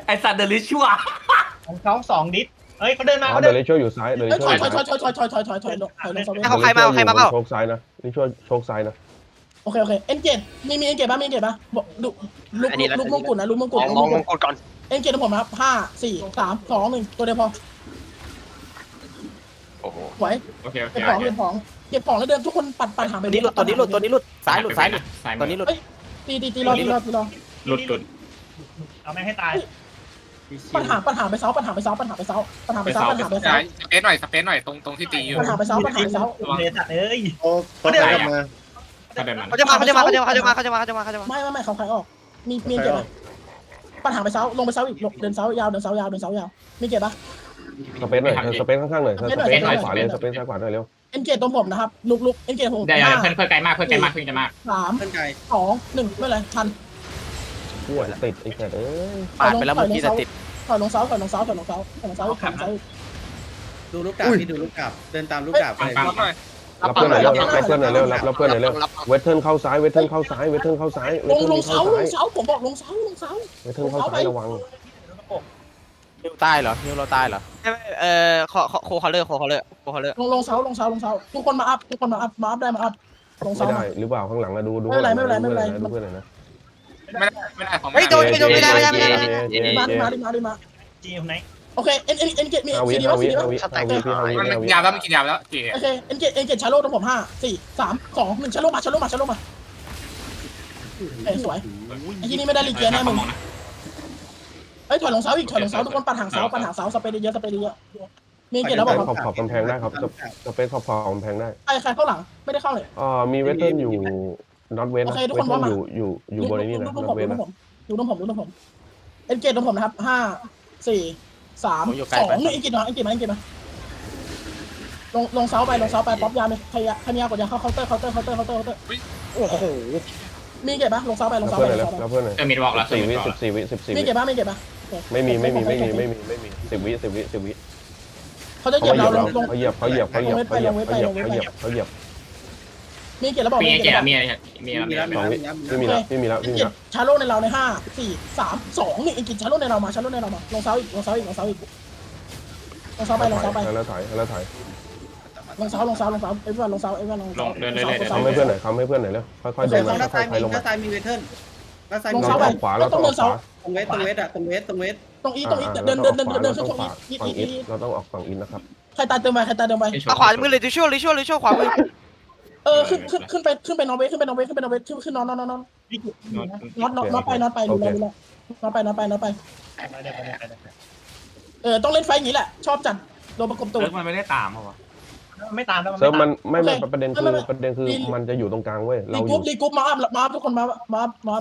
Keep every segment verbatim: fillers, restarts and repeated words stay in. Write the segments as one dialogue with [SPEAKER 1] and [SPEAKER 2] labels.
[SPEAKER 1] ไอสัตว์เดลิชัว
[SPEAKER 2] ของเขาสองดิสเฮ้ยเขาเดินมา
[SPEAKER 3] อ๋อ
[SPEAKER 2] เขา
[SPEAKER 3] เดี๋
[SPEAKER 2] เดิ
[SPEAKER 3] ยวน ลิช่วยอยู่ซ้ายเดี๋ยวลิ
[SPEAKER 4] ถ
[SPEAKER 3] ช่วย
[SPEAKER 4] อย
[SPEAKER 3] อยู่
[SPEAKER 4] ถอ
[SPEAKER 3] ซ้าย ย
[SPEAKER 4] ถอยถอยถอยถอยถอยถอยถอยลงถอยลงโซเว่น
[SPEAKER 5] เอาใครมาเอาใครมาเปล่า
[SPEAKER 3] โชคซ้ายนะลิช่วยโชคซ้ายนะ
[SPEAKER 4] โอเคโอเคเอ็นเกตมีมีเอ็นเกตบ้างมีเอ็นเกตบ้างบอกลูกลูกลูกมงกุฎนะลูกมงกุฎ
[SPEAKER 5] มองมงกุฎก่อน
[SPEAKER 4] เอ็นเกตของผมนะครับห้าสี่สามสองหนึ่งตัวเดียวพอ
[SPEAKER 5] โอ้โห
[SPEAKER 4] ไหว
[SPEAKER 1] โอเคโอเค
[SPEAKER 4] เก็บของเก็บของเก็บของแล้วเดินทุกคนปัดปัดหางไป
[SPEAKER 6] ตัวนี้หลุดตัวนี้หลุดตัวนี้หลุดซ้ายหลุดซ้ายหลุด
[SPEAKER 1] ซ้าย
[SPEAKER 6] ตัวนี้หลุด
[SPEAKER 4] ตีตีตีรอตีรอตีรอ
[SPEAKER 1] หลุดหลุด
[SPEAKER 2] เอาแม่งให้ตาย
[SPEAKER 4] ปัญหาปัญหาไปเซาปัญหาไปเซาปัญหาไปเซาปัญหาไปเซาปัญหาไปเซา
[SPEAKER 7] สเปซหน่อยสเปซหน่อยตรงตรงที่ตีอยู่
[SPEAKER 4] ปัญหาไปเซาปัญหาไปเซา
[SPEAKER 2] เดตัดเอ้ย
[SPEAKER 8] โอ้เขาเดินกลับมา
[SPEAKER 1] ก็ได้มัน
[SPEAKER 5] เขาจะมาเขาจะมาเขาจะมาเขาจะมาเขาจะมาเขาจะมาเขาจะมา
[SPEAKER 4] ไม่ไม่ไม่เขาขายออกมีมีเก็บไหมปัญหาไปเซาลงไปเซาอีกเดินเซายาวเดินเซายาวเดินเซายาวมีเก็บปะ
[SPEAKER 3] สเปซหน่อยสเปซข้างๆหน่อยสเปซซ้ายขวาเลยสเปซซ้ายขวาหน่อยเร็ว
[SPEAKER 4] เอ็นเกตตรงผมนะครับลุกลุกเอ็นเกตผม
[SPEAKER 1] ได้
[SPEAKER 4] ห้า
[SPEAKER 1] เพื่อนเพื่อนไกลมากเพื่อนไกลมากเพื่อนจะมาก
[SPEAKER 4] สาม
[SPEAKER 8] เพื่อนไกล
[SPEAKER 4] สองหนึ่งไม่เป็นไรทัน
[SPEAKER 3] ชั่วติดไอ้แก่เอ้ย
[SPEAKER 6] ปาดไปแล้วเมื่อกี้แต่ติด
[SPEAKER 4] ถอยลงเซาถอยลงเซาถอยลงเซาถอยลงเซาถอยลงเซา
[SPEAKER 8] ดูลูกกาบพี่ดูลูกกาบเดินตามลูกกาบไป
[SPEAKER 7] ปั๊มหน่อย
[SPEAKER 3] รับเพื่อนหน่อยเร็วรับเพื่อนหน่อยเร็วรับรับเพื่อนหน่อยเร็วเวทเทิร์นเข้าซ้ายเวทเทิร์นเข้าซ้ายเวทเทิร์นเข้าซ้ายเว
[SPEAKER 4] ล
[SPEAKER 3] ท
[SPEAKER 4] ง
[SPEAKER 3] เทิร์น
[SPEAKER 4] ลง
[SPEAKER 3] เข้า
[SPEAKER 4] เสาล
[SPEAKER 3] ซ้าย
[SPEAKER 4] งเสาผมบอกลงเสาลงเสา
[SPEAKER 3] เวทเทิร์นเข้าซ้ายระวัง
[SPEAKER 6] ฮิวใต้เหรอฮิวเราใต้เหรอ
[SPEAKER 5] เอ่อคอโคคอลเลอร์โคคอลเลอร์โคคอลเลอร์
[SPEAKER 4] ลงลงเสาลงเสาลงเสาทุกคนมาอัพทุกคนมาอัพมาอัพได้มาอัพลง
[SPEAKER 3] ไม่
[SPEAKER 4] เสา
[SPEAKER 3] ได้หรือเปล่าข้างหลังนะดูดูดูเพื่อนหน่อยนะ
[SPEAKER 7] ไม่ได้ไม่ได้ของ
[SPEAKER 5] เฮ้ยโดนไม่โดนไม่ได้ไม่ได้ไม่ได้
[SPEAKER 4] มาดิมาดิมาดิมา
[SPEAKER 2] จีอยู่ไหน
[SPEAKER 4] โอเคเอ็นเอ็นเอ็นเกตมี
[SPEAKER 3] ห้าวิ
[SPEAKER 4] ซีดี
[SPEAKER 3] ห้า
[SPEAKER 4] ว่า
[SPEAKER 3] วิ
[SPEAKER 4] ซีดี
[SPEAKER 3] ห้า
[SPEAKER 4] ว่า
[SPEAKER 3] วิห้าวิพี่ห้าวิ
[SPEAKER 7] มัน
[SPEAKER 3] ห้าวิ
[SPEAKER 7] ยาวแล้วมันกินยาวแล้วเก๋
[SPEAKER 4] โอเคเอ็นเกตเอ็นเกตชาโลตรงผมห้าสี่สามสองหนึ่งชาโลมาชาโลมาชาโลมาเอ้ยสวยไอ้ที่นี่ไม่ได้รีเกียร์แน่มึงเฮ้ยถอยลงเสาอีกถอยลงเสาทุกคนปัดหางเสาปัดหางเสาสเปรย์เยอะสเปรย์เยอะมีเกตแล้วบอก
[SPEAKER 3] ขอบขอบกำแพงได้ครับสเปซขอบขอบกำแพงได้
[SPEAKER 4] ใครใครเข้าหลังไม่ได้เข้าเลย
[SPEAKER 3] อ่ามีเวทเทิร์นอยู่น็อตเวทนะเวทเทิร์นอยู่อยู่อยู่บนนี้นะ
[SPEAKER 4] ดู
[SPEAKER 3] น็
[SPEAKER 4] ผ
[SPEAKER 3] อ
[SPEAKER 4] ม
[SPEAKER 3] ตเวท
[SPEAKER 4] ดู
[SPEAKER 3] นะ
[SPEAKER 4] ผมดูตรงผมดูตรงผมเอ็นเกตตรงผมนะครับห้าสี่สามสองหนึ่งเอ็นเกตมาเอ็นเกตมาเอ็นเกตมาลงลงเสาไปลงเสาไปป๊อปยาไหมใครยาใครมียากดยาเข้าเคาน์เตอร์เคาน์เตอร์เคาน์เตอร์เคาน์เตอร์เคาน์เตอร์
[SPEAKER 6] โอ้โห
[SPEAKER 4] มีเก็บปะลงเสาไปลง
[SPEAKER 3] รับ
[SPEAKER 4] เสาไป
[SPEAKER 3] เพื่อนหน่อย
[SPEAKER 4] ลงเสาไป
[SPEAKER 3] รับเพื่อนหน่อย
[SPEAKER 1] เออมีบอกแล้ว
[SPEAKER 3] สี่วิสิบสี่วิสิบสี่
[SPEAKER 4] มี
[SPEAKER 3] วิ
[SPEAKER 4] เก็บปะมีเก็บปะ
[SPEAKER 3] ไม่มีไม่มีไม่มีไม่มีไม่มีสิบวิสิบวิสิบวิ
[SPEAKER 4] เขาจะเหยี
[SPEAKER 3] เขา
[SPEAKER 4] ยบ
[SPEAKER 3] เหยี
[SPEAKER 4] เรา
[SPEAKER 3] ยบ
[SPEAKER 4] ลงลง
[SPEAKER 3] เขาเหยียบเขาเหยียบเขาเหยียบเขาเหยียบเขาเหยียบเขาเหยียบเขาเหยียบ
[SPEAKER 4] มีเก็บแล้วบอก
[SPEAKER 1] มี
[SPEAKER 4] มี
[SPEAKER 1] ไอเก
[SPEAKER 4] เก็บ
[SPEAKER 1] มี
[SPEAKER 4] แล้ว
[SPEAKER 1] มีมี
[SPEAKER 8] มีแล้วมี
[SPEAKER 3] สอง
[SPEAKER 8] แล้ว
[SPEAKER 3] วิ
[SPEAKER 8] มีแล้ว
[SPEAKER 3] ไม่มีแล้วไม่มีแล้วไม่มี
[SPEAKER 4] เก็บ
[SPEAKER 3] แล้ว
[SPEAKER 4] ชาโลในเราในห้าสี่สามสองนี่เอ็นกิชาโลในเรามาชาโลในเรามาลงเสาอีกลงเสาอีกลงเสาอีกลงเสาไปลงเสาไป
[SPEAKER 3] แล้วถ่ายแล้วถ่าย
[SPEAKER 4] ลงเสาลงเสาลงเสาเอ้ยลงเสาเอ้ยลง
[SPEAKER 1] ลงเดินเรื่อยๆ
[SPEAKER 3] ทำให้เพื่อนหน่อยทำให้เพื่อนหน่อยเร็วค่อยๆเดินมา
[SPEAKER 8] ด้าน
[SPEAKER 3] ค่
[SPEAKER 8] ซ้า
[SPEAKER 3] อย ยๆ
[SPEAKER 8] มี
[SPEAKER 3] ลง
[SPEAKER 8] ด้า
[SPEAKER 3] มา
[SPEAKER 8] นซ้ายมีเวทเทิร์นด้านซ้าย
[SPEAKER 4] ล
[SPEAKER 8] มี
[SPEAKER 4] ง
[SPEAKER 3] เรา
[SPEAKER 4] เสา
[SPEAKER 3] ต้องออกขวาเราต้องออกขวา
[SPEAKER 8] ตรงเวทตรงเวทอะตรงเวทตรงเวท
[SPEAKER 4] ตรงอีตรงอีเดินเดินเดินเดินเดินขึ้นตรง
[SPEAKER 3] ข
[SPEAKER 4] อี
[SPEAKER 3] วา
[SPEAKER 4] อี
[SPEAKER 3] ฝั่งอี
[SPEAKER 4] อี
[SPEAKER 3] เราต้องออกฝั่งอินนะครับ
[SPEAKER 4] ใครตายเติมไปใครตายเติมไป
[SPEAKER 5] เอาขวามือเลยดิชั่วเลยชั่วเลยชั่วขวามือ
[SPEAKER 4] เออขึ้นขึ้นขึ้นไปขึ้นไปนอร์เวย์ขึ้นไปนอร์เวย์ขึ้นไปนอร์เวย์ขึ้นขึ้นนอนนอนนอนนอนน็อตน็อตน็อตไปน็อตไปดูแลดูแลน็อตไปน็อตไปน็อตไปเออต้องเล่นไฟอย่างนี้แหละชอบจัดโดนประกบตัว
[SPEAKER 1] เลิกมันไม่ได้ตามเหรอวะ
[SPEAKER 2] ไม่ตามแล้ว
[SPEAKER 3] เซิร์ฟ
[SPEAKER 2] ไม่
[SPEAKER 3] มั
[SPEAKER 2] ตาน ม
[SPEAKER 3] ไม่ไม่ประเด็นคือประเด็นคือมันจะอยู่ตรงกลางเว้ย
[SPEAKER 4] รี
[SPEAKER 3] เราอก
[SPEAKER 4] รุ๊
[SPEAKER 3] ยู่
[SPEAKER 4] ปรีกรุ๊ปมาอัพมาอัพทุกคนมามามา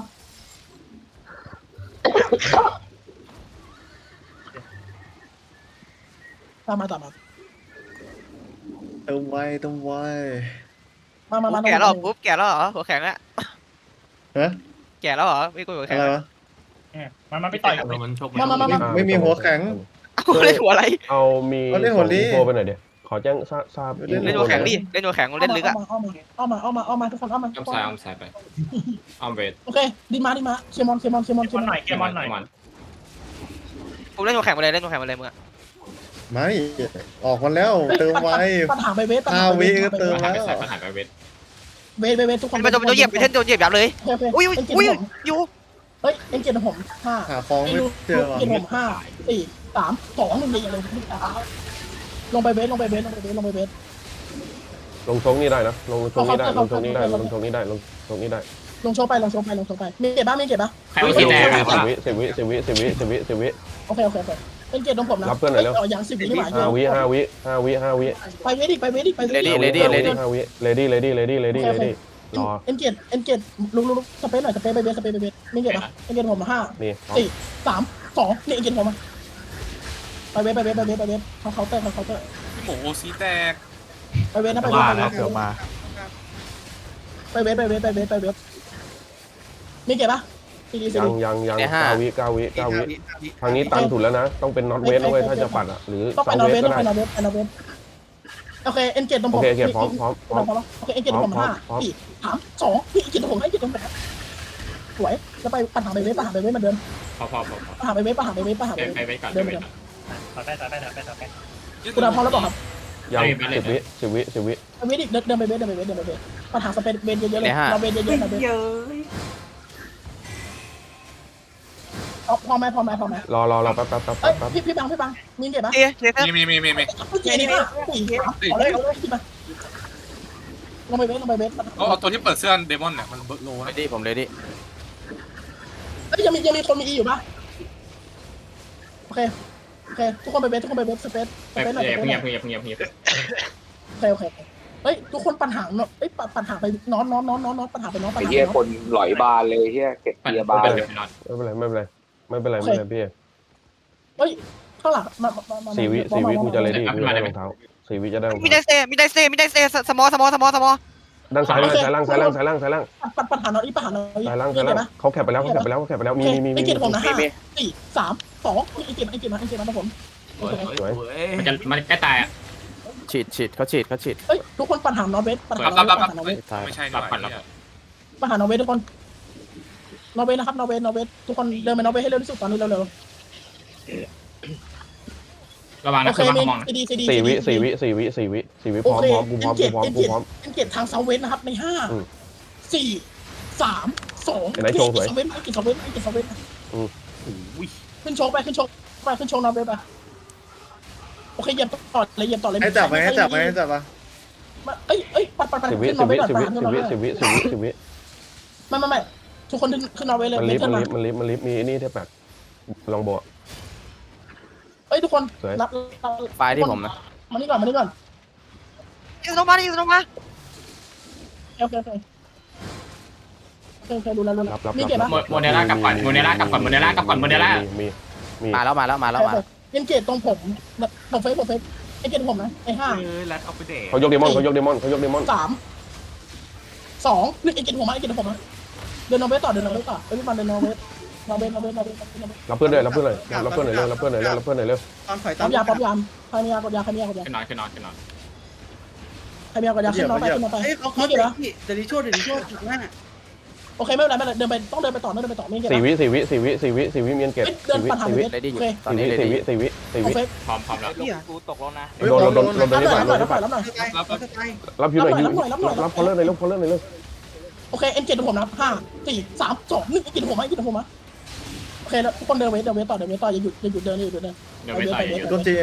[SPEAKER 4] ตามมาตามมา
[SPEAKER 8] เติมไวเติมไว
[SPEAKER 4] มามามา
[SPEAKER 5] แก่แล้วปุ๊บแก่แล้วเหรอหัวแข็งอะ
[SPEAKER 8] ฮะ
[SPEAKER 5] แก่แล้วเหรอไม่กูหัว
[SPEAKER 8] อะ
[SPEAKER 5] แข็ง
[SPEAKER 8] ไรวะ
[SPEAKER 2] มันมันไปต่อยกับ
[SPEAKER 1] มันชก
[SPEAKER 4] มามามามา
[SPEAKER 8] ไม่มีหัวแข็ง
[SPEAKER 5] กูเล่นหัวอะไร
[SPEAKER 3] เอามีโทรไปหน่อยเดี๋ยวขอแจ้งทราบทราบ
[SPEAKER 5] เล่นหัวแข็งดิเล่นหัวแข็งเล่นลึกอะ
[SPEAKER 4] เอามาเอามาเอามาทุกคนเอามา
[SPEAKER 1] อ้อมซ้ายอ้อมซ้ายไปอ้อมเวท
[SPEAKER 4] โอเคดีมาดีมาเคมอนเคมอนเคมอน
[SPEAKER 2] เกมอนหน่อยเกมอนหน่อย
[SPEAKER 5] กูเล่นหัวแข็งมาเลยเล่นหัวแข็งมาเลยมึงอะ
[SPEAKER 8] ไม่ออกมาแล้วเติมไว
[SPEAKER 4] ปัญหาไปเวท
[SPEAKER 8] ห้าวิก็เติม
[SPEAKER 1] หายไปใส่ปัญหาไปเวท
[SPEAKER 4] เวทเวททุกคน
[SPEAKER 5] มันโดนโดนเหยียบไปเท่นโดนเหยียบยับเลยอุ้ยอุ้ยอุ้ยอยู่
[SPEAKER 4] เฮ้ยเอ็นเกตผมห้า
[SPEAKER 8] หาฟองไม่เจอว่ะ
[SPEAKER 4] เกตผมห้าสี่สามสองหนึ่งเลยลงไปเวทลงไปเวทลงไปเวทลงไปเวท
[SPEAKER 3] ลงชงนี่ได้นะลงชงนี่ได้ลงชงนี่ได้ลงชงนี่ได้ลงชงนี่ได้
[SPEAKER 4] ลงโชว์ไปลงโชว์ไปลงโชว์ไปมีเก็บบ้างมีเก็บบ้าง
[SPEAKER 1] ใครว่าที่แดง
[SPEAKER 3] สิบวิสิบวิสิบวิสิบวิสิบวิสิบวิ
[SPEAKER 4] โอเคโอเคโอเคเป็นเกตตรงผมนะอย่างสิบวินี่หมาย
[SPEAKER 3] ห้าวิห้าวิห้าวิห้าวิ
[SPEAKER 4] ไปเวทดิไปเวทดิไปเวท
[SPEAKER 3] ห้าวิห้าวิเลดี้เลดี้เลดี้เลดี้เลดี้รอ
[SPEAKER 4] เอ็นเกตเอ็นเกตลุกลุกสเปซหน่อยสเปซไปเวทสเปซไปเวทมีเก็บปะเอ็นเกตผมห้า
[SPEAKER 3] นี่
[SPEAKER 4] สี่สามสองนี่เอ็นเกตผมมาไปเวทไปเวทไปเวทไปเวทเขาเคาน์เตอร์เขาเคาน์เตอร์
[SPEAKER 7] หมูซีแตก
[SPEAKER 4] ไปเวทนะไปเวท
[SPEAKER 6] มาแล้วเกือบมา
[SPEAKER 4] ไปเวทไปเวทไปเวทไปเวทมีเก็บปะซีดีซี
[SPEAKER 3] ยัง
[SPEAKER 4] ดี
[SPEAKER 3] ยังยังเก้าวิเก้าวิเก้าวิทางนี้ตันสุดแล้วนะต้องเป็นน็อตเวทด้วยถ้าจะปัดอ่ะหรือ
[SPEAKER 4] ต้อง
[SPEAKER 3] เซา
[SPEAKER 4] ไปนอร์
[SPEAKER 3] เว
[SPEAKER 4] เว
[SPEAKER 3] ท
[SPEAKER 4] ย์
[SPEAKER 3] ก็
[SPEAKER 4] ต้อง
[SPEAKER 3] ได้
[SPEAKER 4] ไปนอร์เวย์ไปนอร์เวย์โอเคเอ็นเกตตรงผ
[SPEAKER 3] โอ
[SPEAKER 4] ม
[SPEAKER 3] เคโอเคพร้อมพร้อมพร้อม
[SPEAKER 4] โอเคเอ็นเกตตรงผมห้าสี่สามสองนี่เอ็นเกตตรงผมให้เอ็นเกตตรงผมสวยแล้วไปปัญหาไปเวย์ปัญหาไปเวย์เหมือนเดิม
[SPEAKER 1] พอพอพอพอ
[SPEAKER 4] ปัญหาไปเวทปัญหาไปเวทปัญหาไป
[SPEAKER 1] ไป
[SPEAKER 4] เวท
[SPEAKER 1] ไปไปก่อน
[SPEAKER 4] เดิน
[SPEAKER 1] ไป
[SPEAKER 4] ไป
[SPEAKER 1] ก่
[SPEAKER 4] เดิ
[SPEAKER 1] อน น
[SPEAKER 2] ต่อได้ต่อได้ต่อได้ต่อได้
[SPEAKER 4] คุณดาวพร้อมแล้วบอกครับ
[SPEAKER 3] ยัง
[SPEAKER 1] ไม่เป็นไร
[SPEAKER 3] สิบวิสิบวิสิบวิ
[SPEAKER 4] ไปเวทอีกเดินเดินไปเวทเดินไปเวทเดินไปเวทปัญหาสเปนเวทเยอะๆเลยเราเวทเยอะๆนะเวทพอพอไหมพอไหมพอไหม
[SPEAKER 3] รอรอรอแป๊บแป๊บแป๊บ
[SPEAKER 4] เอ้ย
[SPEAKER 3] แป๊บ
[SPEAKER 4] พี่พี่บังพี่บังมีเก็บปะ
[SPEAKER 5] เอ๊ะเจ๊ครับ
[SPEAKER 7] มีมีมีมีมี
[SPEAKER 4] เจนี่ป่ะสี่เอาเลยเอาเลยคิดมาลงไปเวทลงไปเวท
[SPEAKER 7] เอาเอาตัวที่เปิดเสื้อเดมอนเนี่ยมันเบิร์ดโล
[SPEAKER 6] เล
[SPEAKER 7] นะ
[SPEAKER 6] ดี้ผมเลยดิ
[SPEAKER 4] เอ้ยยังมียังมีคนมีอีอยู่ปะโอเคโอเคทุกคนไปเวททุกคนไปเวทสเปซส
[SPEAKER 1] ไป
[SPEAKER 4] เปซหน่อย
[SPEAKER 1] เพิ่ง
[SPEAKER 4] โอ
[SPEAKER 1] เงียบเพิ่งเงียบเพิ่งเงียบเพิ่งเงียบ
[SPEAKER 4] เคโอเคเฮ้ยทุกคนปัญหาเนาะเอ้ยปัญหาไปนอนนอนนอนนอนนอนปัญหาไปนอนปัญ
[SPEAKER 9] ไอ้
[SPEAKER 4] หา
[SPEAKER 9] เหี้ย
[SPEAKER 4] ไปน
[SPEAKER 9] ค
[SPEAKER 4] อน
[SPEAKER 9] นหลอยบานเลยเหี้ยเก็บ
[SPEAKER 1] ปั่น
[SPEAKER 9] เกียร์
[SPEAKER 1] ปั่
[SPEAKER 9] บาน น
[SPEAKER 1] เดี๋ยวไปนอน
[SPEAKER 3] ไม่เป็นไรไม่เป็นไรไม่เป็นไรไม่เป็นไรพี่
[SPEAKER 4] เฮ้ยข้างหลังมามามา
[SPEAKER 3] สี่วิสี่วิกูจะเลยดิกูจะได้รองเท้าสี่วิจะได้รอง
[SPEAKER 5] มี
[SPEAKER 3] เท้า
[SPEAKER 5] ไดเซมีไดเซมีไดเซสมอสมอสมอสมอ
[SPEAKER 3] ด้านซ้ายเลยซ้ายล่างซ้ายล่างซ้ายล่างซ้ายล่าง
[SPEAKER 4] ปัญปัญหานอนอีปัญหานอนอี
[SPEAKER 3] ซ้ายล่าง
[SPEAKER 4] มี
[SPEAKER 3] ซ้าย
[SPEAKER 4] เก็บ
[SPEAKER 3] ล่าง
[SPEAKER 4] ปะ
[SPEAKER 3] เขาแคปไปแล้วเขาแคปไปแล้วเขาแคปไปแล้วมีมีมี
[SPEAKER 4] ไอ้
[SPEAKER 3] มี
[SPEAKER 4] เก็บผมนะห้าสี่สามสองไอ้เก็บไอ้เก็บมาไอ้เก็บมาผม
[SPEAKER 3] สวย
[SPEAKER 1] มันจะมันใกล้ตายอ่ะ
[SPEAKER 6] ฉีดฉีดเขาฉีดเขาฉีด
[SPEAKER 4] เฮ้ยทุกคนปัญหานอนเวทปัญหานอนเวทปัญหานอนเวท
[SPEAKER 6] ตาย
[SPEAKER 7] ไม่ใช่
[SPEAKER 1] รับปั่นรับ
[SPEAKER 4] ปัญหานอนเวททุกคนนอร์เวย์นะครับนอร์เวย์นอร์เวย์ทุกคนเดินไปนอร์เวย์ให้เร็วที่สุดตอนนี้เร็ว
[SPEAKER 1] ระวัง
[SPEAKER 4] ๆ
[SPEAKER 1] นะ
[SPEAKER 4] โอเค
[SPEAKER 1] คือ
[SPEAKER 4] มี
[SPEAKER 1] มองนะ
[SPEAKER 4] ซีดีซีดี
[SPEAKER 3] สี่วิสี่วิสี่วิสี่วิสี่วิพร้อมพร้อมกูพร้อมกูพร้อมกูพร้อม
[SPEAKER 4] เอ็นเกตทางเซาเวสนะครับในห้า
[SPEAKER 3] อืม
[SPEAKER 4] สี่สามสอง
[SPEAKER 3] เห็นไหมโชว์สวย
[SPEAKER 4] เวสไอ้กินเซาเวสไอ้กินเซาเวส
[SPEAKER 3] อืม
[SPEAKER 4] ขึ้นโชว์ไปขึ้นโชว์ไปขึ้นโชว์นอร์เวย์ไปโอเคเหยียบต่อเลยเหยียบต่อเลย
[SPEAKER 8] ให้จับไหมให้จับไหมให้จับปะ
[SPEAKER 4] เอ้ยเอ้ยปัดปัดปัด
[SPEAKER 3] สิบวิ
[SPEAKER 4] ขึ้นน
[SPEAKER 3] สิ
[SPEAKER 4] อบ ร์เว
[SPEAKER 3] วิ
[SPEAKER 4] ย์ก่อน
[SPEAKER 3] สิบ
[SPEAKER 4] ปั
[SPEAKER 3] วิ
[SPEAKER 4] ดขึ้น
[SPEAKER 3] สิ
[SPEAKER 4] นอบ ร์เว
[SPEAKER 3] วิ
[SPEAKER 4] ย์
[SPEAKER 3] สิบวิสิบวิสิบวิ
[SPEAKER 4] ไม่ไม่ไม่ทุกคนขึ้นนอร์เวย์เลย
[SPEAKER 3] มัน
[SPEAKER 4] เว
[SPEAKER 3] ลิ
[SPEAKER 4] ท
[SPEAKER 3] ฟ
[SPEAKER 4] เทิร์น
[SPEAKER 3] มัน
[SPEAKER 4] มา
[SPEAKER 3] ลิฟมันลิฟมันลิฟมีนี่ที่แบบลองโบะ
[SPEAKER 4] เอ้ยทุกคน
[SPEAKER 3] สวย
[SPEAKER 4] รับ
[SPEAKER 6] ไฟที่ผมนะ
[SPEAKER 4] มานี่ก่อนมานี่ก่อน
[SPEAKER 5] ยิงสโนมายิงสโนมา
[SPEAKER 4] โอเคโอเคโอเคโอเคดูแลดูแล
[SPEAKER 3] รับรับ
[SPEAKER 4] มีเก็บปะ
[SPEAKER 1] โมเดล่ากลับก่อนโมเดล่ากลับก่อนโมเดล่ากลับก่อนโมเดล่า
[SPEAKER 3] มีมี
[SPEAKER 6] มาแล้วมาแล้วมาแล้วมา
[SPEAKER 4] เอ็นเกตตรงผมผมเฟซผมเฟซไอเกตผมนะไอห้า
[SPEAKER 3] เขายกเดมอนเขายกเดมอนเขายกเดมอน
[SPEAKER 4] สามสองนี่ไอเกตผมมาไอเกตผมนะเดินนอร์เวย์ต่อเดินนอร์เวย์ต่อเอ้ยพี่มันเดินนอร์เวย์นอร์เวย์นอร์เวย์นอร์เวย์นอร์เวย์
[SPEAKER 3] รับเพื่อนเลยรับเพื่อนเลยรับเพื่อนหน่อยเร็วรับเพื่อนหน่อยเร็วรับเพื่อนหน่อยเร็ว
[SPEAKER 8] ตอนถอยตา
[SPEAKER 4] ปั๊
[SPEAKER 8] ม
[SPEAKER 4] บยาปั๊บยามใครมียากดยาใครมียากดยา
[SPEAKER 1] ขึ้นนอนขึ้นนอนขึ้นนอน
[SPEAKER 4] ใครมียากดยาขึ้นนอนไปขึ้นนอนไป
[SPEAKER 8] เฮ้ยเขาเขา
[SPEAKER 4] ไม่
[SPEAKER 8] เดี๋
[SPEAKER 4] เก็
[SPEAKER 8] ย
[SPEAKER 4] บ
[SPEAKER 8] ว
[SPEAKER 4] นะ
[SPEAKER 8] พี่เดี๋ยวดิโชว์เดี๋ยวดิโชว์หน้า
[SPEAKER 4] โอเคไม่เป็นไรไม่เป็นไรเดินไปต้องเดินไปต่อต้องเดินไปต่อไม่เก็บ
[SPEAKER 3] สี่วิสี่วิสี่วิสี่วิสี่วิเมียนเกต
[SPEAKER 4] เดิน
[SPEAKER 3] สี่วิ
[SPEAKER 4] ปัญหา
[SPEAKER 3] สี่
[SPEAKER 4] เว
[SPEAKER 3] วิ
[SPEAKER 4] ท
[SPEAKER 6] เลยดิอยู่
[SPEAKER 4] โอเค
[SPEAKER 6] ตอน
[SPEAKER 3] สี่
[SPEAKER 6] นี้
[SPEAKER 3] วิ
[SPEAKER 6] เลย
[SPEAKER 3] สี่
[SPEAKER 6] ดิ
[SPEAKER 3] วิสี่วิสี่
[SPEAKER 4] โอ
[SPEAKER 3] วิ
[SPEAKER 4] เค
[SPEAKER 1] พร้อมพร้อมแล้ว
[SPEAKER 8] เหี้ย
[SPEAKER 5] กูตกลงนะ
[SPEAKER 3] โดนโดนโดนโดน
[SPEAKER 4] รับ
[SPEAKER 3] นี้
[SPEAKER 4] หน่
[SPEAKER 3] ก่
[SPEAKER 4] อ
[SPEAKER 3] อย น
[SPEAKER 4] รับหน่อยรับหน่อยรับหน่อย
[SPEAKER 8] เขาจะตายเขาจะตาย
[SPEAKER 3] รับอยู่หน่อยรับพอเลอร์หน่อยรับพอเลอร์หน่อยเร็ว
[SPEAKER 4] โอเคเอ็นเกตผมนะห้าสี่สามสองหนึ่งไอเกตผมมาไอเกตผมมาโอเคแล้วทุกคนเดินเวทเดินเวทต่อเดินเวทต่ออย่าหยุดอย่าหยุดเดินอย่าหยุดเดิน
[SPEAKER 1] เดี๋ยวไม่ต่อยอยู่
[SPEAKER 8] โดนเจ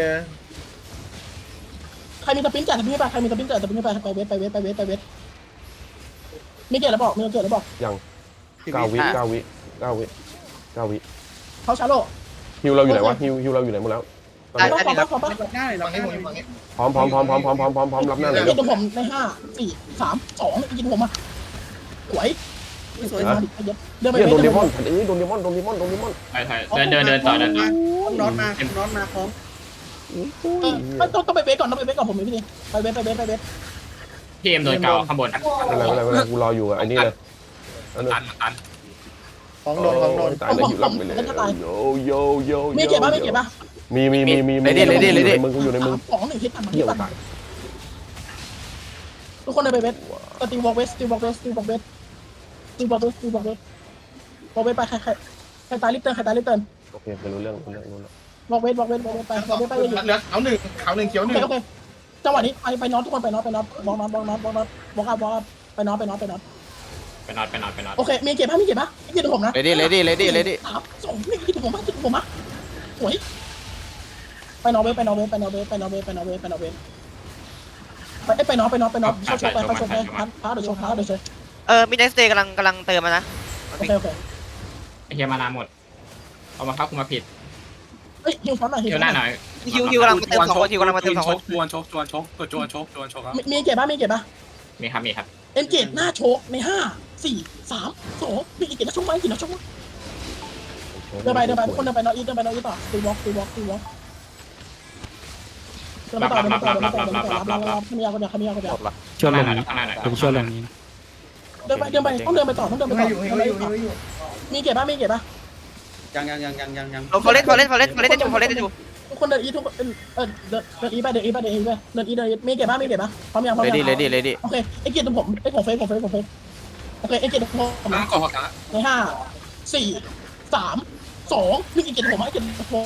[SPEAKER 4] ใครมีสปินจ่ายสปินให้ไปใครมีสปินจ่ายสปินให้ไปไปเวทไปเวทไปเวทไปเวทมีเกตแล้วบอกมีเกตแล้วบอก
[SPEAKER 3] ยังเก้าวิเก้าวิเก้าวิเก้าวิ
[SPEAKER 4] เขาชาโล
[SPEAKER 3] ฮิวเราอยู่ไหนวะฮิวฮิวเราอยู่ไหนหมดแล้ว
[SPEAKER 4] ได้ได้ได้ขอปะ
[SPEAKER 8] รับหน้าเลยรับหน้าเลย
[SPEAKER 3] พร้อมพร้อมพร้อมพร้อมพร้อมพร้อมพร้อมพร้อมรับหน้าเลย
[SPEAKER 4] เกตผมในห้าสี่สามสองยิงผมมาสวยสวยมาดิเดินไป
[SPEAKER 3] เนี่ย
[SPEAKER 4] เว
[SPEAKER 3] โดนเด
[SPEAKER 4] ท
[SPEAKER 3] มอนเอ้ยโดนเดมอนโดนเดมอนโดนเดมอน
[SPEAKER 1] ใช่ใช่เดินเดินเดินต่อเดินต่อ
[SPEAKER 8] น็อตมาน็อตมาพร้อม
[SPEAKER 4] ต้องต้องไปเวทก่อนต้องไปเวทก่อนผมมีพี่นี่ไปเวทไปเวทไปเวท
[SPEAKER 1] พี่เอ็มโดนเก่าข้างบน
[SPEAKER 3] อะไรอะไรอะไรกูรออยู่อ่ะไอ้นี่เลย
[SPEAKER 7] ตันตัน
[SPEAKER 8] ของโดนของโดน
[SPEAKER 3] ตายแล้วอยู่รับไปเลยโยโยโย
[SPEAKER 4] มีเก็บป่ะมีเก็บป่ะ
[SPEAKER 3] มีมีมีมีมีในมึงกูอยู่ในมึง
[SPEAKER 4] สองหนึ่งฮิตทัน
[SPEAKER 3] เที่ยวตาย
[SPEAKER 4] ทุกคนเดินไปเวทสตีวอล์กเวสสตีวอล์กเวสสตีวอล์กเวสสตีวอล์กเวสสตีวอล์กเวสวอล์กเวสไปใครใครใครตายลิฟเตอร์ใครตายลิฟเตอร์
[SPEAKER 3] โอเคไปรู้เรื่องรู้เรื่องรู้เรื่อง
[SPEAKER 4] วอล์กเวสวอล์กเวสวอล์กเวสไปวอล์กเวสไปเลย
[SPEAKER 8] เหลือเขาหนึ่งเขาหนึ่งเขียวห
[SPEAKER 4] โอ
[SPEAKER 8] นึ่
[SPEAKER 4] เค
[SPEAKER 8] ง
[SPEAKER 4] โอเคจังหวะนี้ไปไปน็อตทุกคนไปน็อตไปน็อตบอลน็อตบอลน็อตบอลน็อตบอลอัพบอลอัพไปน็อตไปน็อตไปน็อต
[SPEAKER 1] ไปนอนไปนอนไปนอน
[SPEAKER 4] โอเคมีเก็บป่ะมีเก็บป่ะมีเก็บผมนะ
[SPEAKER 6] เลยดิเลยดิเลยดิเลยดิ
[SPEAKER 4] สามสองหนึ่งฮิตผมมาฮิตผมมาสวยไปนอร์เวย์ไปนอร์เวย์ไปนอร์เวย์ไปนอร์เวย์ไปนอร์เวย์ไปนอร์เวย์ไปไปนอร์ไปนอร์ไปนอร์โชว์โชว์ไปไปโชว์ไปพัดพัดเดี๋ยวโชว์พัดเดี๋ยวโชว์
[SPEAKER 5] เออมีไดเซกำลังกำลังเติมมานะ
[SPEAKER 4] โอเคโอเค
[SPEAKER 1] ไอ้เฮียมานาหมดเอามาเข้าคุมาผิด
[SPEAKER 4] เฮ้ยฮิวฟอนหน่อยฮิว
[SPEAKER 1] เที่ยวหน้าหน่อย
[SPEAKER 5] ฮิวฮิวกำลังมาเติมสองคนฮิวกำลังมาเติมสองคน
[SPEAKER 7] จวนชกจวนชกจวนชกจวนชกครับ
[SPEAKER 4] มีเก็บป่ะมีเก็บป่ะ
[SPEAKER 1] มีครับมีครับ
[SPEAKER 4] เอ็นเกตหน้าโชกในห้าสี่สามสองมีเก็บหน้าโชกไหมเก็บหน้าโชกเดินไปเดินไปทุกคนเดินไปนอร์อีเดินไปนอร์อีต่อตีวอล์กตีวอล์กตีวอล์กเดินไปต่อเดินไปต่อเดินไปต่อเดินไปต่อรับรับรับขมียาคนเดียวขมียาคนเดียว
[SPEAKER 6] จบละ
[SPEAKER 1] ช่วยลงข้างหน้าหน่อย
[SPEAKER 10] ผมช่วยลงนี้
[SPEAKER 4] เดินไปเดินไปต้องเดินไปต่อต้องเดินไป
[SPEAKER 8] ให้
[SPEAKER 4] ต่อ
[SPEAKER 8] อยู่ให้อยู่ให้อยู่
[SPEAKER 4] มีเก็บป่ะมีเก็บป่ะ
[SPEAKER 8] ยังยังยังยังยังยัง
[SPEAKER 5] ฟอเรสฟอเรสฟอเรสฟอเรสจะจูฟอเรสจะจู
[SPEAKER 4] ทุกคนเดินอีทุกเออเดินเดินอีไปเดินอีไปเดินอีไปเดินอีเดินมีเก็บป่ะมีเก็บป่ะพร้อมยังพร้อม
[SPEAKER 6] เลย
[SPEAKER 4] ยัง
[SPEAKER 6] ดิเลยดิเลยดิ
[SPEAKER 4] โอเคไอ้เกียร์ตรงผมไอ้ของเฟซของเฟซของเฟซโอเคไอ้เกียร์ตรงผม
[SPEAKER 7] ต้อ
[SPEAKER 4] นะ
[SPEAKER 7] งกดหัวขา
[SPEAKER 4] ในห้าสี่สามสองหนึ่งอีกเจ็ดผมมาเจ็ดผม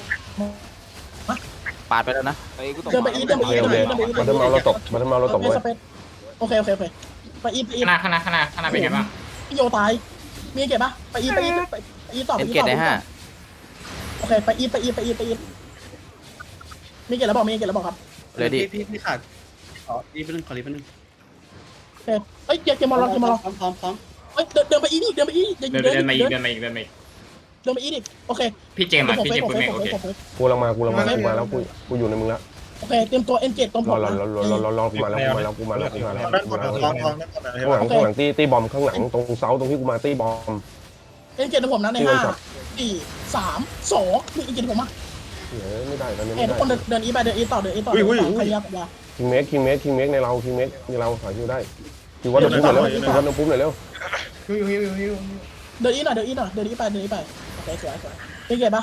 [SPEAKER 6] ปาดไปแล้วนะ
[SPEAKER 4] เดินไปอีเดินไป
[SPEAKER 3] โอ
[SPEAKER 4] อี
[SPEAKER 3] เค
[SPEAKER 4] เดิ
[SPEAKER 3] โอน
[SPEAKER 4] ไป
[SPEAKER 3] เค
[SPEAKER 4] อีเดินไปอี
[SPEAKER 3] บัตเทอร์เมาเราตกบัตเทอร์เมาเราตก
[SPEAKER 4] เอ
[SPEAKER 3] เว้ย
[SPEAKER 4] สเปซโอเคโอเคโอเคไปอีไปอี
[SPEAKER 1] ข้างหน้าข้างหน้าข้างหน้าข้างหน้าเป็นไงบ้าง
[SPEAKER 4] พี่โยตายมีเก็บปะไปอีไปอีไปอีต่อไป
[SPEAKER 6] เอ็น
[SPEAKER 4] อี
[SPEAKER 6] เกต
[SPEAKER 4] ต่อ
[SPEAKER 6] ได้ห้า
[SPEAKER 4] โอเคไปอีไปอีไปอีไปอีมีเก็บแล้วบอกมีเก็บแล้วบอกครับ
[SPEAKER 6] เลดี้
[SPEAKER 8] พี่พี่ขาดขอรีบไปนึงขอรีบไปนึง
[SPEAKER 4] โอเคเอ้ยเก็บเก็บมอลเก็บมอล
[SPEAKER 8] พร้อมพร้อมพร้อม
[SPEAKER 4] เอ้ยเดินเดินไปอีนี่เดินไปอี
[SPEAKER 1] เดินเดินมาอีกเดินมาอีกเดินมาอีก
[SPEAKER 4] เดินไปอีดิโอเค
[SPEAKER 1] พี่เจมส์อ่ะพี่เจมส์พูดไม่โอเค
[SPEAKER 3] กูลังมากูลังมากูมาแล้วกูกูอยู่ในมึงแล้ว
[SPEAKER 4] โอเคเตรียมตัวเอ็นเกตตรงผ
[SPEAKER 3] รอ
[SPEAKER 4] ม
[SPEAKER 3] รอรอรอรอรอรอกูมาแล้วกูมาแล้วกูมาแล้วกูมาแล้ว
[SPEAKER 9] ด้านบ
[SPEAKER 3] กู
[SPEAKER 9] น
[SPEAKER 3] มาแล้ว
[SPEAKER 9] ท้องท้องด้านบนอะไร
[SPEAKER 3] ข้างหลังข้างหลังตีตีบอมข้างหลังตรงเสาตรงที่กูมาตีบอม
[SPEAKER 4] เอ็นเกตตรงผมนะในห้าสี่สามสองหนึ่งเอ็นเกตผมมา
[SPEAKER 3] เฮ้ยไม่ได้ตอนนี้
[SPEAKER 4] เอ้
[SPEAKER 3] ไม่
[SPEAKER 4] ทุก
[SPEAKER 3] ได้
[SPEAKER 4] คนเดินอีไปเดินอีต่อเดินอีต่อใครยับยา
[SPEAKER 3] คิงเมกคิงเมกคิงเมกในเราคิงเมกในเราขายคิวได้คิววัดน้ำพุหน่อยเร็วคิววัดน้ำพุหน่อยเร็ว
[SPEAKER 9] ฮิวฮิวฮิวฮิว
[SPEAKER 4] เดินอีหน่อยเดินอีหน่อยเดินอีไปเดินอีไปโอเคสวยสวยเอ็นเกตปะ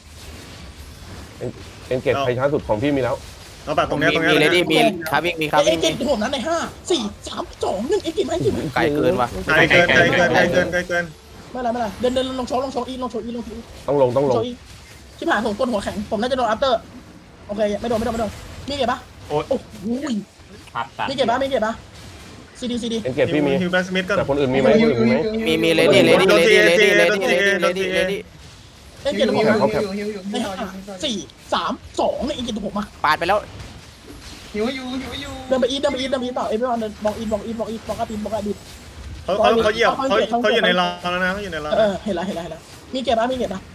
[SPEAKER 3] เอ็นเกตไฟช้าสุดของพี่มีแล้ว
[SPEAKER 9] เอาแบบตรงนี้ตรงนี้
[SPEAKER 6] มีเลดี้มีคาวิ่งมีคา
[SPEAKER 4] เอ็
[SPEAKER 6] วิ่
[SPEAKER 4] น
[SPEAKER 6] ง
[SPEAKER 4] เกตผมนั้นในห้าสี่สามสองหนึ่งเอ็นเกตไหมเอ็นเกตไหม
[SPEAKER 6] ไกลเกินว่ะ
[SPEAKER 9] ไกลเกินไกลเกินไกลเกินไกลเกิน
[SPEAKER 4] ไม่เป็นไรไม่เป็นไรเดินเดินลงโชว์ลงโชว์อีลงโชว์อีลงโชว์อี
[SPEAKER 3] ต้องลงต้องล
[SPEAKER 4] โช
[SPEAKER 3] ง
[SPEAKER 4] ว์อีชิบหายผมก้นหัวแข็งผมน่าจะโดนอัปเตอร์โอเคไม่โดนไม่โดนไม่โดนมีเก็บปะโอ้โห
[SPEAKER 1] ครับตัด
[SPEAKER 4] มีเก็บปะมีเก็บปะซีดีซีดี
[SPEAKER 3] เอ็นเกตพี่มี
[SPEAKER 9] ฮิวแบนสมิธก็
[SPEAKER 3] แต่คนอื่นมีไหมคนอื่นมีไหม
[SPEAKER 6] มีมีเลดี้เลดี้เลดี้เลดี้เลดี้เลดี้เลดี้เลดี้
[SPEAKER 4] เอ็นเกตผมนะในห้าสี่สามสองในเอ็นเกตผมมา
[SPEAKER 6] ปาดไปแล้ว
[SPEAKER 9] ฮิวอยู่ฮิวอยู่
[SPEAKER 4] เดินไปอีทเดินไปอีทเดินไปอีทต่อเอฟวีวันเดินบอกอีทบอกอีทบอกอีทบอกอาบินบอกอาบิน
[SPEAKER 9] เขาเขาเขาเหยียบเขาเขาอยู่ในรางแล้วนะเขาอยู่ในราง
[SPEAKER 4] เออเห็นแล้วเห็นแล้วเห็นแล้วมีเก็บปะมีเก็บปะ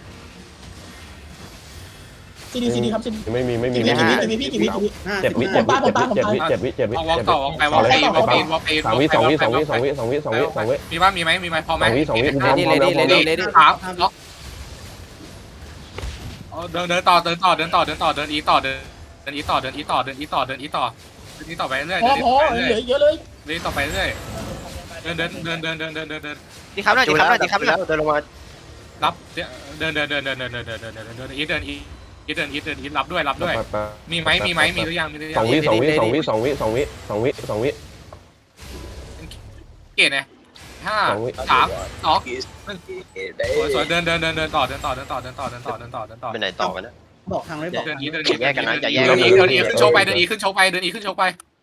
[SPEAKER 4] ซีดีซีดีครับซีดี
[SPEAKER 3] ไม่มีไม่มี
[SPEAKER 4] กี่วิ
[SPEAKER 3] ไม่
[SPEAKER 4] กี่
[SPEAKER 3] มี
[SPEAKER 4] วิกี่วิกี่วิกี่วิ
[SPEAKER 8] ห้า
[SPEAKER 3] เจ็ดวิเจ็ดวิเจ็ดวิเจ็ดวิเจ็ดวิ
[SPEAKER 7] เอาวอ
[SPEAKER 3] เจ็
[SPEAKER 7] ล์
[SPEAKER 3] ด
[SPEAKER 7] ก
[SPEAKER 3] วิ
[SPEAKER 7] ต่อวอล์กไปวอล์กเอวอล์กเอวอล์กเอวอล์กเอ
[SPEAKER 3] สามวิสองวิสองวิสองวิสองวิสองวิสองวิ
[SPEAKER 7] มีบ้างมีไหมมีไหมพอไหม
[SPEAKER 3] สองวิสองวิกูพร้อม
[SPEAKER 6] เล
[SPEAKER 3] พร้อมแล้ว
[SPEAKER 6] ดี้
[SPEAKER 3] พร้อม
[SPEAKER 6] เล
[SPEAKER 3] แล้ว
[SPEAKER 6] ดี้เลดี้
[SPEAKER 7] ขาล็อกเดินเดินต่อเดินต่อเดินต่อเดินต่อเดินอีต่อเดินเดินอีต่อเดินอีต่อเดินอีต่อเดินอีต่อเดินอีต่อไปเรื่อย
[SPEAKER 4] พอ
[SPEAKER 7] เดิน
[SPEAKER 4] พอ
[SPEAKER 7] ไป
[SPEAKER 4] เห
[SPEAKER 7] เรื่
[SPEAKER 4] ลื
[SPEAKER 7] อย
[SPEAKER 4] อเยอะเลย
[SPEAKER 7] เดินต่อไปเรื่อยเดินเดินเดินเดินเดินเดินเดินเดิน
[SPEAKER 5] ดีครับหน่อยดีครับหน่อยดีครับหน่อย
[SPEAKER 6] เดินลงมา
[SPEAKER 7] รับเดินเดินเดินเดินเดินเดินเดินเดินเดินเดินอีเดินอีอีเดินอีเดินอีรับด้วยรับด้วยมีไหมมีไหมมีหรือยังมีหรือ
[SPEAKER 3] ส
[SPEAKER 7] ยั
[SPEAKER 3] อง
[SPEAKER 7] ง
[SPEAKER 3] วิสองวิสองวิสองวิสองวิสองวิสองวิ
[SPEAKER 7] เกตไงห้าสามสองสวยสวยเดินเดินเดินเดินต่อเดินต่อเดินต่อเดินต่อเดินต่อเดินต่อเดินต่อ
[SPEAKER 10] ไปไหนต่อกันนะ
[SPEAKER 8] บอกทางไม่บอก
[SPEAKER 7] เดินอีเดิน
[SPEAKER 10] แยกกันนะอย่าแยก
[SPEAKER 7] เดิ
[SPEAKER 10] กัน น
[SPEAKER 7] อีเดินอีขึ้นโชว์ไปเดินอีขึ้นโชว์ไปเดินอีขึ้นโชว์ไป